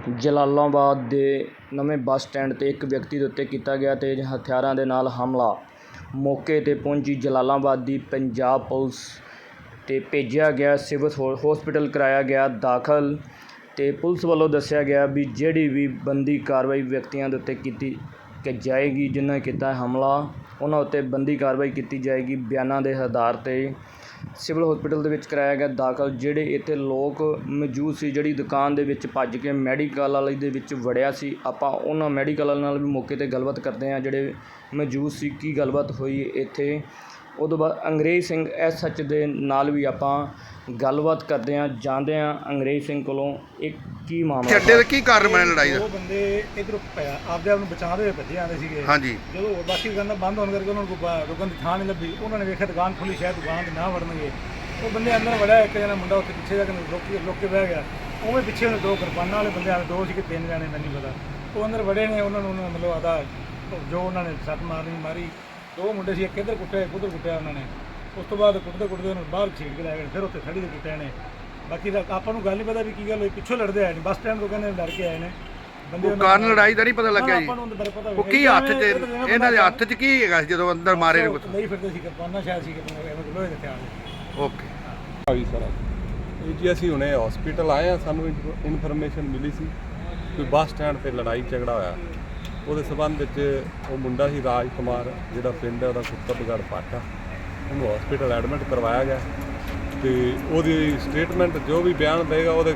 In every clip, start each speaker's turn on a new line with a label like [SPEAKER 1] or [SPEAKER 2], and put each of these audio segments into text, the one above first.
[SPEAKER 1] ਜਲਾਲਾਬਾਦ ਦੇ ਨਵੇਂ bus stand 'ਤੇ ਇੱਕ ਵਿਅਕਤੀ ਦੇ ਉੱਤੇ ਕੀਤਾ ਗਿਆ ਤੇਜ਼ ਹਥਿਆਰਾਂ ਦੇ ਨਾਲ ਹਮਲਾ। ਮੌਕੇ 'ਤੇ ਪਹੁੰਚੀ ਜਲਾਲਾਬਾਦ ਦੀ ਪੰਜਾਬ ਪੁਲਿਸ ਤੇ ਭੇਜਿਆ ਗਿਆ, ਸਿਵਲ ਹੌਸਪੀਟਲ ਕਰਾਇਆ ਗਿਆ ਦਾਖਲ। ਅਤੇ ਪੁਲਿਸ ਵੱਲੋਂ ਦੱਸਿਆ ਗਿਆ ਵੀ ਜਿਹੜੀ ਵੀ ਬਣਦੀ ਕਾਰਵਾਈ ਵਿਅਕਤੀਆਂ ਦੇ ਉੱਤੇ ਕੀਤੀ ਜਾਏਗੀ, ਜਿਨ੍ਹਾਂ ਨੇ ਕੀਤਾ ਹਮਲਾ, ਉਹਨਾਂ ਉੱਤੇ ਬਣਦੀ ਕਾਰਵਾਈ ਕੀਤੀ ਜਾਏਗੀ। ਬਿਆਨਾਂ ਦੇ ਆਧਾਰ 'ਤੇ ਸਿਵਲ ਹੌਸਪੀਟਲ ਦੇ ਵਿੱਚ ਕਰਾਇਆ ਗਿਆ ਦਾਖਲ। ਜਿਹੜੇ ਇੱਥੇ ਲੋਕ ਮੌਜੂਦ ਸੀ, ਜਿਹੜੀ ਦੁਕਾਨ ਦੇ ਵਿੱਚ ਭੱਜ ਕੇ ਮੈਡੀਕਲ ਵਾਲੇ ਦੇ ਵਿੱਚ ਵੜਿਆ ਸੀ, ਆਪਾਂ ਉਹਨਾਂ ਮੈਡੀਕਲ ਵਾਲੇ ਨਾਲ ਵੀ ਮੌਕੇ 'ਤੇ ਗੱਲਬਾਤ ਕਰਦੇ ਹਾਂ ਜਿਹੜੇ ਮੌਜੂਦ ਸੀ, ਕੀ ਗੱਲਬਾਤ ਹੋਈ ਇੱਥੇ। ਉਹ ਤੋਂ ਬਾਅਦ ਅੰਗਰੇਜ਼ ਸਿੰਘ SH ਦੇ ਨਾਲ ਵੀ ਆਪਾਂ ਗੱਲਬਾਤ ਕਰਦੇ ਹਾਂ, ਜਾਣਦੇ ਹਾਂ ਅੰਗਰੇਜ਼ ਸਿੰਘ ਕੋਲੋਂ ਇੱਕ ਕੀ ਮਾਮਲਾ
[SPEAKER 2] ਅੱਡੇ ਦਾ ਕੀ ਕਾਰਨ ਬਣਿਆ ਲੜਾਈ ਦਾ।
[SPEAKER 3] ਉਹ ਬੰਦੇ ਇਧਰੋਂ ਆਪਦੇ ਆਪ ਨੂੰ ਬਚਾਉਂਦੇ ਹੋਏ ਭੱਜੇ ਆਉਂਦੇ ਸੀਗੇ।
[SPEAKER 2] ਹਾਂਜੀ।
[SPEAKER 3] ਜਦੋਂ ਬਾਕੀ ਦੁਕਾਨਾਂ ਬੰਦ ਹੋਣ ਕਰਕੇ ਉਹਨਾਂ ਨੂੰ ਰੁਕਣ ਦੀ ਥਾਂ ਨਹੀਂ ਲੱਭੀ। ਉਹਨਾਂ ਨੇ ਵੇਖਿਆ ਦੁਕਾਨ ਖੁੱਲੀ, ਸ਼ਾਇਦ ਦੁਕਾਨ 'ਤੇ ਨਾ ਵੜਨਗੇ। ਉਹ ਬੰਦੇ ਅੰਦਰ ਵੜਿਆ, ਇੱਕ ਜਣਾ ਮੁੰਡਾ ਉੱਥੇ ਪਿੱਛੇ ਜਾ ਕੇ ਰੁਕ ਕੇ ਬਹਿ ਗਿਆ। ਉਵੇਂ ਪਿੱਛੇ ਉਹਨੇ ਦੋ ਕਿਰਪਾਨਾਂ ਵਾਲੇ ਬੰਦੇ ਆਏ, ਦੋ ਸੀ ਕਿ ਤਿੰਨ ਜਾਣੇ ਮੈਨੂੰ ਨਹੀਂ ਪਤਾ। ਉਹ ਅੰਦਰ ਵੜੇ ਨੇ, ਉਹਨਾਂ ਨੂੰ ਮਤਲਬ ਆਦਾ ਜੋ ਉਹਨਾਂ ਨੇ ਸੱਟ ਮਾਰੀ। ਦੋ ਮੁੰਡੇ ਸੀ, ਇੱਕ ਇੱਧਰ ਕੁੱਟਿਆ, ਇੱਕ ਉੱਧਰ ਕੁੱਟਿਆ ਉਹਨਾਂ ਨੇ। ਉਸ ਤੋਂ ਬਾਅਦ ਕੁੱਟਦੇ ਉਹਨੂੰ ਬਾਹਰ ਛੇੜ ਕੇ ਲੈ ਗਏ, ਫਿਰ ਉੱਥੇ ਖੜੀ ਦੇ ਕੁੱਟਿਆ ਨੇ। ਬਾਕੀ ਆਪਾਂ ਨੂੰ ਗੱਲ ਨਹੀਂ ਪਤਾ ਵੀ ਕੀ ਗੱਲ ਹੋਈ, ਪਿੱਛੋਂ ਲੜਦੇ ਆਏ ਨੇ, ਬੱਸ ਸਟੈਂਡ ਤੋਂ ਕਹਿੰਦੇ ਲੜ ਕੇ ਆਏ ਨੇ ਬੰਦੇ।
[SPEAKER 2] ਕਾਰਨ ਲੜਾਈ ਦਾ ਨਹੀਂ ਪਤਾ ਲੱਗਿਆ ਜੀ।
[SPEAKER 3] ਆਪਾਂ ਨੂੰ ਅੰਦਰ ਪਤਾ
[SPEAKER 2] ਉਹ ਕੀ ਹੱਥ 'ਚ ਇਹਨਾਂ ਦੇ ਹੱਥ 'ਚ ਕੀ ਹੈਗਾ ਜਦੋਂ ਅੰਦਰ ਮਾਰੇ ਨੇ?
[SPEAKER 3] ਨਹੀਂ ਫਿਰਦੇ ਸੀ ਕਿਰਪਾਨਾਂ, ਸ਼ਾਇਦ ਸੀ ਕਿ ਲੋਹੇ ਦੇ ਹਥਿਆਰ।
[SPEAKER 2] ਓਕੇ
[SPEAKER 4] ਹਾਂਜੀ ਸਰ, ਇਹ ਜੀ ਅਸੀਂ ਹੁਣੇ ਹਸਪੀਟਲ ਆਏ ਹਾਂ। ਸਾਨੂੰ ਇਨਫੋਰਮੇਸ਼ਨ ਮਿਲੀ ਸੀ ਕਿ ਬੱਸ ਸਟੈਂਡ 'ਤੇ ਲੜਾਈ ਝਗੜਾ ਹੋਇਆ। ਉਹਦੇ ਸਬੰਧ ਵਿੱਚ ਉਹ ਮੁੰਡਾ ਸੀ ਰਾਜ ਕੁਮਾਰ, ਜਿਹੜਾ ਪਿੰਡ ਹੈ ਉਹਦਾ ਕੁੱਤਬਗੜ੍ਹ ਪਾਟਾ, ਉਹਨੂੰ ਹਸਪੀਟਲ ਐਡਮਿਟ ਕਰਵਾਇਆ ਗਿਆ। ਅਤੇ ਉਹਦੀ ਸਟੇਟਮੈਂਟ ਜੋ ਵੀ ਬਿਆਨ ਦੇਗਾ, ਉਹਦੇ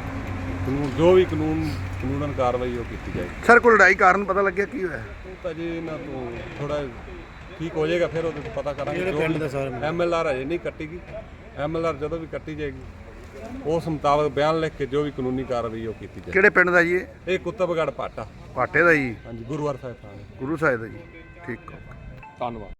[SPEAKER 4] ਜੋ ਵੀ ਕਾਨੂੰਨ ਕਾਰਵਾਈ ਉਹ ਕੀਤੀ ਜਾਏਗੀ।
[SPEAKER 2] ਸਰ ਕੋਈ ਲੜਾਈ ਕਾਰਨ ਪਤਾ ਲੱਗਿਆ ਕੀ ਹੋਇਆ?
[SPEAKER 4] ਉਹ ਤਾਂ ਜੀ ਇਹਨਾਂ ਤੋਂ ਥੋੜ੍ਹਾ ਠੀਕ ਹੋ ਜਾਏਗਾ, ਫਿਰ ਉਹਦੇ ਤੋਂ ਪਤਾ ਕਰਾਂਗੇ। MLR ਅਜੇ ਨਹੀਂ ਕੱਟੀ ਗਈ, MLR ਜਦੋਂ ਵੀ ਕੱਟੀ ਜਾਏਗੀ ਉਸ ਮੁਤਾਬਕ ਬਿਆਨ ਲਿਖ ਕੇ ਜੋ ਵੀ ਕਾਨੂੰਨੀ ਕਾਰਵਾਈ ਉਹ ਕੀਤੀ ਜਾਏਗੀ।
[SPEAKER 2] ਕਿਹੜੇ ਪਿੰਡ ਦਾ ਜੀ
[SPEAKER 4] ਇਹ ਕੁੱਤਬਗੜ੍ਹ ਪਾਟਾ?
[SPEAKER 2] ਪਾਟੇ ਦਾ ਜੀ।
[SPEAKER 4] ਹਾਂਜੀ, ਗੁਰੂਵਾਰ ਸਾਹਿਬ ਥਾਣੇ।
[SPEAKER 2] ਗੁਰੂ ਸਾਹਿਬ ਦਾ ਜੀ। ਠੀਕ।
[SPEAKER 4] ਧੰਨਵਾਦ।